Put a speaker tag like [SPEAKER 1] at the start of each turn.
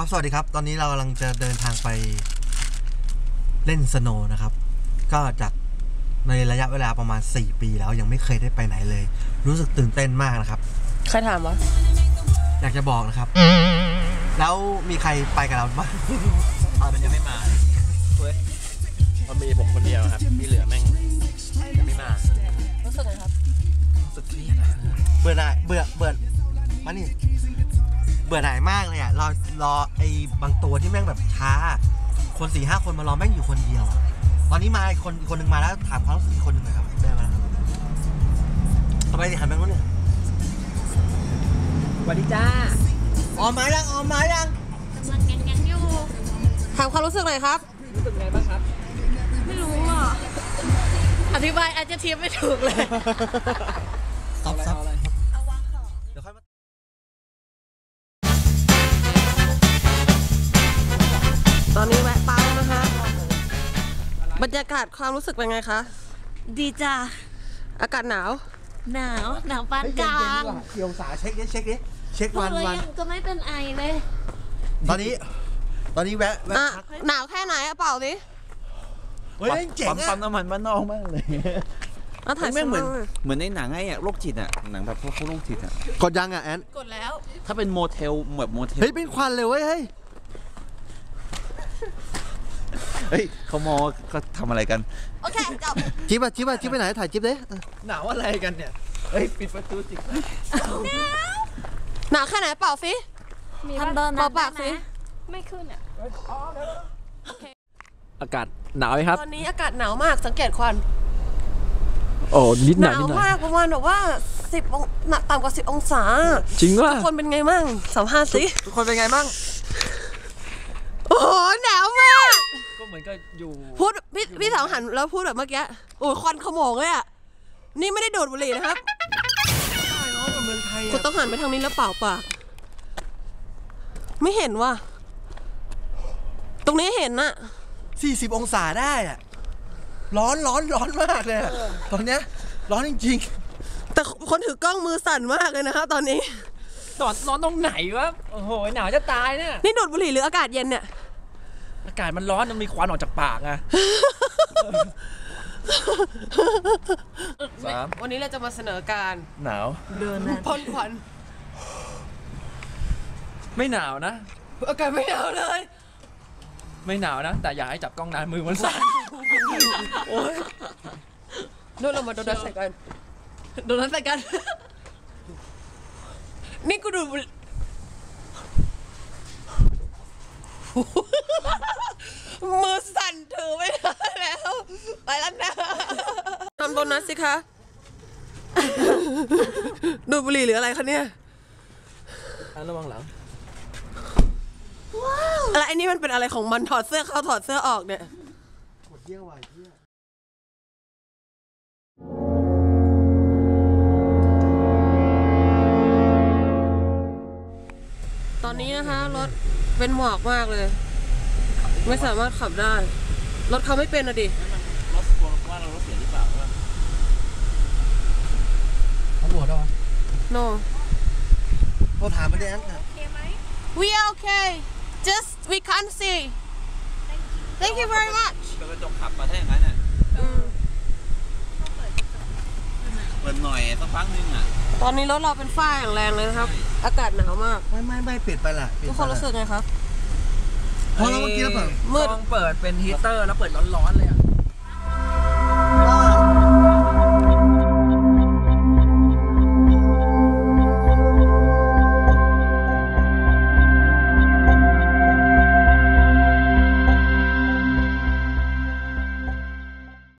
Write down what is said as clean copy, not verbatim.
[SPEAKER 1] สวัสดีครับตอนนี้เรากำลังจะเดินทางไปเล่นสโนว์นะครับก็จากในระยะเวลาประมาณ4 ปีแล้วยังไม่เคยได้ไปไหนเลยรู้สึกตื่นเต้นมากนะครับ
[SPEAKER 2] ใครถามวะ
[SPEAKER 1] อยากจะบอกนะครับแล้วมีใครไปกับเราบ้าง
[SPEAKER 3] มันยังไม่มาเว้ยมันมีผมคนเดียวครับที่เหลือแม่งยังไม่มา
[SPEAKER 2] รู้สึกไงครับ
[SPEAKER 3] รู้สึกเครียด
[SPEAKER 1] เบื่อหน่ายเบื่อมานี่เบื่อหน่ายมากเลยอ่ะรอไอ้บางตัวที่แม่งแบบช้าคน4-5 คนมารอแม่งอยู่คนเดียวตอนนี้มาอีกคนหนึ่งมาแล้วถามความรู้สึกอีกคนหนึ่งหน่อยครับได้ไหมทำไมถึงหันไปนู้นเนี่ย
[SPEAKER 3] สวัสดีจ้า
[SPEAKER 1] ออกมายังกำลังแ
[SPEAKER 2] งนอยู่ถามความรู้สึกหน่อยครับ
[SPEAKER 3] รู้สึกไงบ้างครับ
[SPEAKER 2] ไม่รู้อ่ะอธิบายอาจจะเทียบไม่ถูกเลย
[SPEAKER 1] ซับ
[SPEAKER 2] ตอนนี้แวะปั๊มนะคะบรรยากาศความรู้สึกเป็นไงคะดีจ้าอากาศหนาวปานกลาง
[SPEAKER 1] เกี่ยวสาเช็ควัน
[SPEAKER 2] ก็ไม่เป็นไอเลย
[SPEAKER 1] ตอนนี้แวะ
[SPEAKER 2] หนาวแค่ไหนอะเปล่าดิ
[SPEAKER 1] เฮ้ยเจ๋งอะ
[SPEAKER 3] ปั๊มน้ำมันบ้านนอกมากเลย
[SPEAKER 2] ไม่เห
[SPEAKER 3] มือนในหนังไอ้โรคจิตอะหนังแบบพวกโรคจิตอะ
[SPEAKER 1] กดยังอะแอน
[SPEAKER 2] กดแล้ว
[SPEAKER 3] ถ้าเป็นโมเทลแบบโมเทล
[SPEAKER 1] เฮ้ยเป็นควันเลยเว้ยเ
[SPEAKER 3] ฮ้ยเขามอเขาทำอะไรกัน
[SPEAKER 2] โอเคจบ
[SPEAKER 1] จิ๊บไปไหนถ่ายจิ๊บดิ
[SPEAKER 3] หนาวอะไรกันเนี่ยเฮ้ยปิดประตูสิ
[SPEAKER 2] หนาวแค่ไหนเปล่าฟิ
[SPEAKER 4] ทำเดิน
[SPEAKER 2] ปากฟิ
[SPEAKER 4] ไม่ขึ้นอ่ะ
[SPEAKER 3] อากาศหนาวไหมครับ
[SPEAKER 2] ตอนนี้อากาศหนาวมากสังเกตควัน
[SPEAKER 3] โอ้นิดหนาว
[SPEAKER 2] มากประมาณแบบว่า10ต่ำกว่า10 องศา
[SPEAKER 3] จริงว่า
[SPEAKER 2] ทุกคนเป็นไงมั่งสัมภาษณ์สิ
[SPEAKER 3] ทุกคนเป็นไงมั่ง
[SPEAKER 2] โอ้หนาวมาก
[SPEAKER 3] ก็เหมือนก็อยู่
[SPEAKER 2] พูดพี่สาวหันแล้วพูดแบบเมื่อกี้โอ้ควันขโมงเลยอ่ะนี่ไม่ได้ดูดบุหรี่นะครับคุณต้องหันไปทางนี้แล้วเป่าปากไม่เห็นว่ะตรงนี้เห็นน่ะ
[SPEAKER 1] 40 องศาได้อ่ะร้อนมากเลยตอนเนี้ยร้อนจริง
[SPEAKER 2] ๆแต่คนถือกล้องมือสั่นมากเลยนะครับตอนนี้
[SPEAKER 3] ร้อนตรงไหนวะโอ้โหหนาวจะตายเนี่ย
[SPEAKER 2] นี่ดูดบุหรี่หรืออากาศเย็นเนี่ย
[SPEAKER 3] อากาศมันร้อนมันมีควันออกจากปากไง
[SPEAKER 2] วันนี้เราจะมาเสนอการ
[SPEAKER 3] หนาว
[SPEAKER 2] เดินพ่นควัน
[SPEAKER 3] ไม่หนาวนะ
[SPEAKER 2] อากาศไม่หนาวเลย
[SPEAKER 3] ไม่หนาวนะแต่อย่าให้จับกล้องนานมือมันสั่นโอ้ย
[SPEAKER 2] โดนเรามาโดนนัดใส่กันนี่กูดูมือสั่นถือไม่ได้แล้วไปแล้วนะทำโดนัทสิคะดูบุหรี่หรืออะไรคะเนี่ย
[SPEAKER 3] ระวังหลัง
[SPEAKER 2] อะไรไอ้นี่มันเป็นอะไรของมันถอดเสื้อเข้าถอดเสื้อออกเนี่ยตอนนี้นะคะรถเป็นหมอกมากเลยไม่สามารถขับได้รถเขาไม่เป็นอะดิ
[SPEAKER 3] รถกลัวว่าเรารถเสียหรือเปล่า
[SPEAKER 1] เขาหัวด้วย
[SPEAKER 2] no
[SPEAKER 1] เราถามมาดิแอนค่ะ
[SPEAKER 2] we are okay just we can't see thank you very much
[SPEAKER 3] กระจกขับมาแท่อย่างนั้นน่ะเปิดหน่อยสักพักนึงอ่ะ
[SPEAKER 2] ตอนนี้รถเราเป็นฝ้าอย่างแรงเลยนะครับอากาศหนาวมาก
[SPEAKER 1] ไม่ปิดไปละ
[SPEAKER 2] ทุกคนรู้สึกไงครับ
[SPEAKER 1] พอเราเมื่อกี้แล้วเปิด
[SPEAKER 3] เปิดเป็นฮีเตอร์แล้วเปิดร้อนๆเลยอ่ะ